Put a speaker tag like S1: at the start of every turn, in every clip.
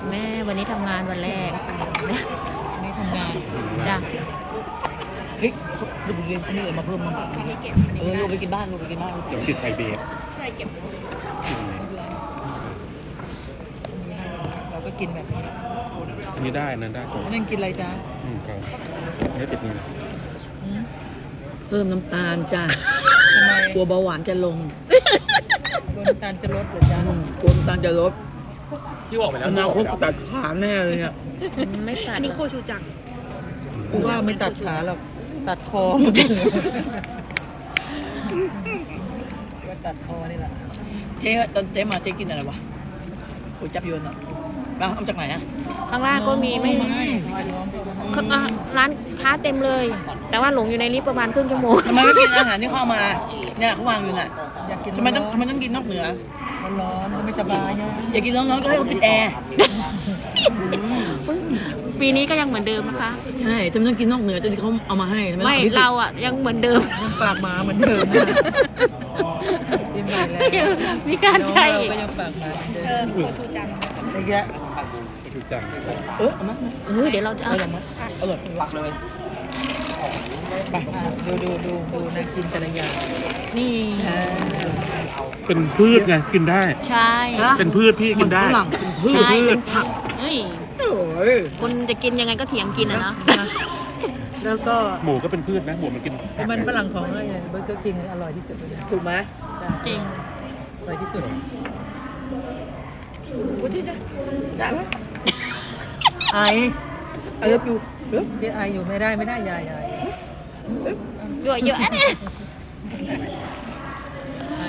S1: แม่วันนี้ทำงานวันแรก
S2: นี่ทำงาน
S1: จ้ะ
S2: เฮ้ยลูกเรียนเขามีอะไรมาเพิ่มมั้งลูกไปกินบ้านลูกไปกินบ้าน
S3: เดี๋ยวติดไฟเบรก
S2: เราก็กินแบบนี้
S3: อันนี้ได้นั่นได้ก่อน
S2: นั่นกินอะไรจ้า
S3: ครับอันนี้ติดนี่นะ
S4: เพิ่มน้ำตาลจ้ะ
S2: ทำไม
S4: กลัวเบาหวานจะลง
S2: กลัวน้ำตาลจะลดเหรอจ้าก
S4: ลัวน้ำตาลจะลด
S3: ที่บอกไปแล้ว
S4: อนาคตตัดขาแน่เลยเนี่ย
S1: ไม่ตัด
S5: อันนี้โคชูจัง
S2: กูว่าไม่ตัดขาหรอกตัดคอว่าตัดคอนี่แหละ
S4: เจ๊ตอนเจ๊มาเจ๊กินอะไรวะก๋วยจับยวนอ่ะบ้าเอาจากไหนอ่ะ
S1: ข้างล่างก็มีไม่ร้านค้าเต็มเลย แต่ว่าหลงอยู่ในลิฟต์ประมาณครึ่งชั่วโมง
S4: ทำไมไม่กินอาหารที่เข้ามา เนี่ยเขาวางอยู่น่ะ
S2: อยากกิน
S4: ทำไมต้องกินนอกเหนือ
S2: ร้อนก็ไม่สบายนะ
S4: อยากกินร้อนๆก็ให้เขาปิดแอร์
S1: ปีนี้ก็ยังเหมือนเดิมนะคะ
S4: ใช่ทำไมต้องกินนอกเหนือจนเขาเอามาให้ทำ
S1: ไม่
S4: ต้องอพิ
S1: เราอ่ะยังเหมือนเดิม
S2: ยังปากหมาเหมือนเดิมนะกินใหม่แล้ว
S1: มีการใช้
S2: เรา
S1: อีก
S2: ก็ยังปากหมาเหมือนเดิม
S5: โคชูจัง
S2: ไอ้แยะ
S3: ถูกจัง
S4: เอามา
S1: เดี๋ยวเราจะเอา
S4: อร่อยหลักเลย
S2: ดูนะกินแต่ละอย่าง
S1: นี่
S3: เป็นพืชไงกินได้
S1: ใช่
S3: เป็นพืชพี่กินได้
S4: ฝรั่งเป็นพืช
S1: ใช่เป็นผักเฮ้ย
S4: โอ้ย
S1: คนจะกินยังไงก็เถียงกินอะเนาะ
S2: แล้วก็
S3: หมูก็เป็นพืชนะหมูมันกิน
S2: มันฝรั่งของอะไรเบอร์เกอร์คิงอร่อยที่สุดเลยนะ
S4: ถูกไหม
S1: จริง
S2: อร่อยที่สุด
S4: ไอเลิฟยู
S2: เจ๊ไออยู่ไม่ได้ยาย
S1: เยอะเยอะเนี่ย
S2: ไอ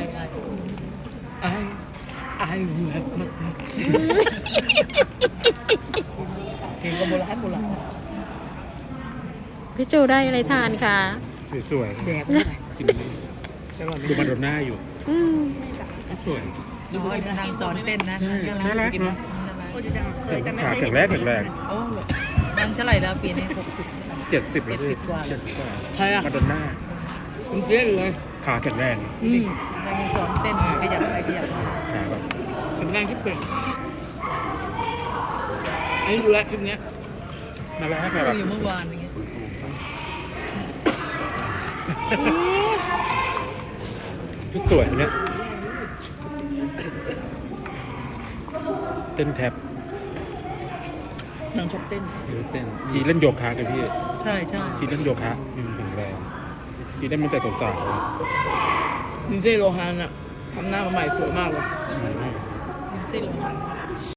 S4: ไอแบบเพลงก็โบราณ
S1: พี่จูได้อะไรทานคะ
S3: สวย
S4: แดกไม่ได้
S3: ๆกินดูมาโดนหน้าอยู่สวย
S2: ดูให้นางสอนเต้นนะ
S3: น่ารักเนาะ
S5: โคชูจังเคยแต่ไม่
S3: ขา
S5: เคย
S3: แข็งแรงแข็งแรง
S2: โอ้นางเท่าไหร่แล้วปีนี้60
S3: 70แล้วพี่
S2: 70กว่า
S3: 70กว่า
S4: ใช่อะ
S3: มาโดนหน้า
S4: คุณเจ๊เลย
S3: ขาแข็งแรง
S2: นางสอนเต้นขยับไปขยับมา
S3: ขาแบบ
S4: แข็งแรงที่เป็นอันนี้ดูแลคลิปเนี้ย
S3: น่ารักแบบ
S2: อยู่เมื่อวานอย่างเงี้ย
S3: ชุดสวยเนี่ยเต้นแท็บ
S4: นางชอบเต้น
S3: เต้นทีเล่นโยคะกันพี่
S2: ใช่
S3: ทีเล่นโยคะแข็งแรงทีเล่นมันแต่สาว
S4: ดินเซ่โลฮานอะทำหน้ามาใหม่สวยมากเลย
S3: ๆ
S2: ซิล